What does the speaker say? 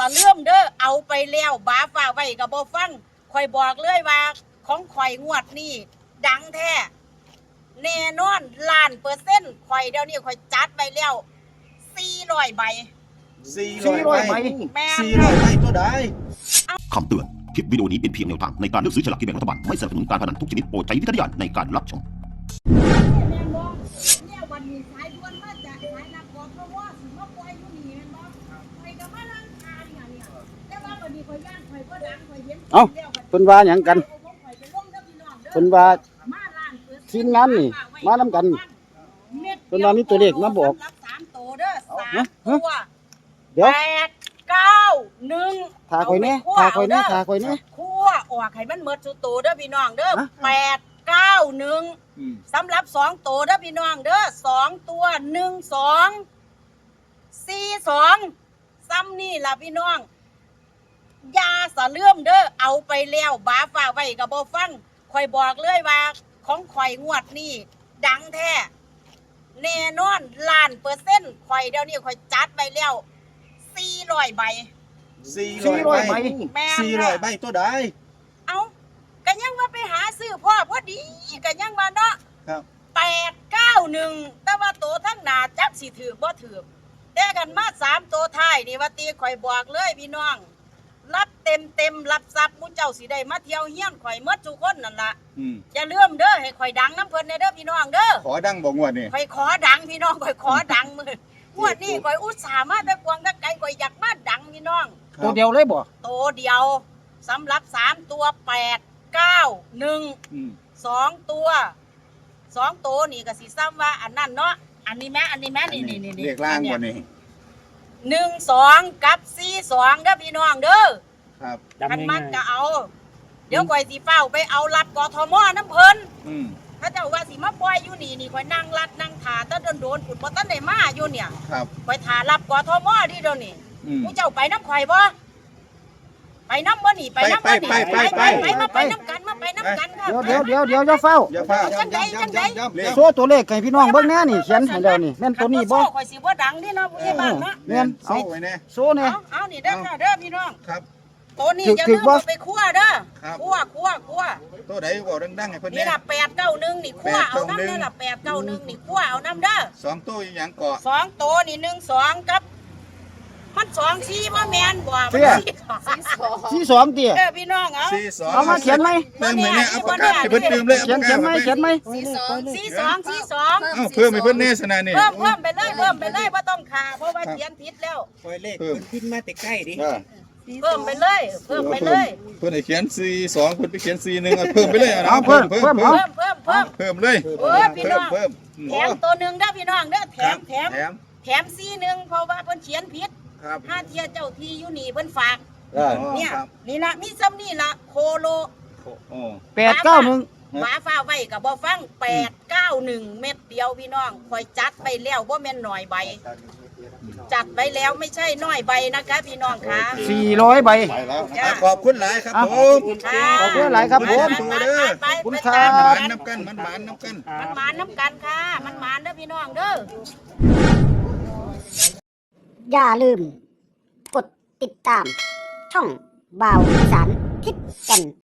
ะเลื่อมเด้อเอาไปแล้วบาฝ่าไว้กับบ่ฟังข่อยบอกเลยว่าของข่อยงวดนี่ดังแท้แน่นอน1,000,000%ข่อยเดี๋ยวนี้ข่อยจัดไปแล้ว400 ใบ 400 ใบแม่ 400 ใบตัวใดคำเตือนคลิปวิดีโอนี้เป็นเพียงแนวทางในการเลือกซื้อฉลากกินแบ่งรัฐบาลไม่สนับสนุนการพนันทุกชนิดโปรดใช้วิจารณญาณในการรับชมเนี่ยวันนี้สายด่วนมาจากสายนักกอล์ฟเพราะว่าสิมาปล่อยอยู่นี่แม่นบ่ข่อยก็มาลังคาเนี่ยแต่ว่าวันนี้ข่อยย่านข่อยบ่ดังข่อยเห็นเอ้าเพิ่นว่าหยังกันเพิ่นว่าทีมงานนี่มานำกันเพิ่นว่ามีตัวเลขมาบอก 3ตัวเด้อ3ตัวเดี๋ยว 8 9 1 ทาข่อยแน่ทาข่อยแน่ทาข่อยแน่คั่วออกให้มันหมดสุดโตเด้อพี่น้องเด้อ8 9 1สำหรับ2ตัวเด้อพี่น้องเด้อ2ตัว1 2 4 2ซ้ำนี่ล่ะพี่น้องยาสะเลื่อมเด้อเอาไปแล้วบาฝ่าไว้กับบ่ฟังข่อยบอกเลยว่าของข่อยงวดนี่ดังแท้แน่นอน1,000,000%ข่อยเดี๋ยวนี้ข่อยจัดไปแล้ว400 ใบ 400 ใบ400 ใบตัวใดเอาก็ยังว่าไปหาซื้อพ่อพอดีก็ยังว่าเนาะครับ 891แต่ว่าโตทั้งหน้าจักสิถือบ่ถือแต่กันมา3ตัวท้ายนี่ว่าตีข่อยบอกเลยพี่น้องรับเต็มรับทรัพย์มุเจ้าสิได้มาเที่ยวเฮียนข่อยหมดทุกคนนั่นล่ะอย่าลืมเด้อให้ข่อยดังน้ำเพิ่นเด้อพี่น้องเด้อขอดังบ่งวดนี่ข่อยขอดังพี่น้องข่อยขอดังมื้องวดนี้ข่อยอุตส่าห์มาแต่กวางแต่ไกลข่อยอยากมาดังพี่น้องตัวเดียวเลยบ่ตัวเดียวสำหรับ3ตัว8 9 1 2ตัวนี่ก็สิซ้ำว่าอันนั้นเนาะอันนี้แม่นี่เลขล่างบ่นี่ 1 2กับ4 2เด้อพี่น้องเด้อครับคันมักก็เอาเดี๋ยวข่อยสิเฝ้าไปเอารับกทมน้ำเพิ่นถ้าเจ้าว่าสิมาปล่อยอยู่นี่ข่อยนั่งรัดนั่งถาตะโดนฝุ่นบ่ทันได้มาอยู่เนี่ยครับข่อยถารับกทมดิเดี๋ยวนี้ผู้เจ้าไปน้ำข่อยบ่ไปน้ำบ่นี่ไปน้ำบ่นี่มาไปน้ำกันค่ะเดี๋ยวอย่าเฝ้าจังไดโซ่ตัวเลขให้พี่น้องเบิ่งแน่นี่เขียนให้แล้วนี่แม่นตัวนี้บ่ข่อยสิบ่ดังนี่เนาะผู้ใหญ่บ้านเนาะแม่นเอาไว้แน่โซ่แน่เอานี่เด้อค่ะเด้อพี่น้องครับตัวนี้อย่าลืมเอาไปคั่วเด้อคั่วตัวใดบ่ดังๆให้เพิ่นแน่นี่ล่ะ891นี่คั่วเอาน้ำเด้อล่ะ891นี่คั่วเอาน้ำเด้อ 2ตัวหยังเกาะ 2ตัวนี่1 2กับมัน2 4บ่แม่นบ่มัน 42ติพี่น้อง 42 เอามาเขียนไหมเติมให้แน่เอาปากกาให้เพิ่นเติมเลยเขียนไหม 42 เอาเพิ่มให้เพิ่นแน่ซะนะนี่เพิ่มไปเลยบ่ต้องขาเพราะว่าเขียนผิดแล้วปล่อยเลขขึ้นมาแต่ใกล้ดิเพิ่มไปเลยเพิ่นให้เขียน42เพิ่นไปเขียน41เอาเพิ่มไปเลยเอาเพิ่มเลยพี่น้องแถมตัวนึงเด้อพี่น้องเด้อแถม41เพราะว่าเพิ่นเขียนผิดถ้าเทียเจ้าที่อยู่นี่เพิ่นฝากเนี่ยนี่ล่ะมีซ้ำนี่ล่ะโคโล 891 หมาฟ้าไว้กับบ่ฟัง891เม็ดเดียวพี่น้องคอยจัดไปแล้วบ่แม่นหน่อยใบจัดไปแล้วไม่ใช่น้อยใบนะคะพี่น้องค่ะ 400 ใบขอบคุณหลายครับผมขอบคุณหลายครับผมคุณครับมันน้ำกันค่ะมันหมานเด้อพี่น้องเด้ออย่าลืมกดติดตามช่องบ่าวอีสานทิศแก่น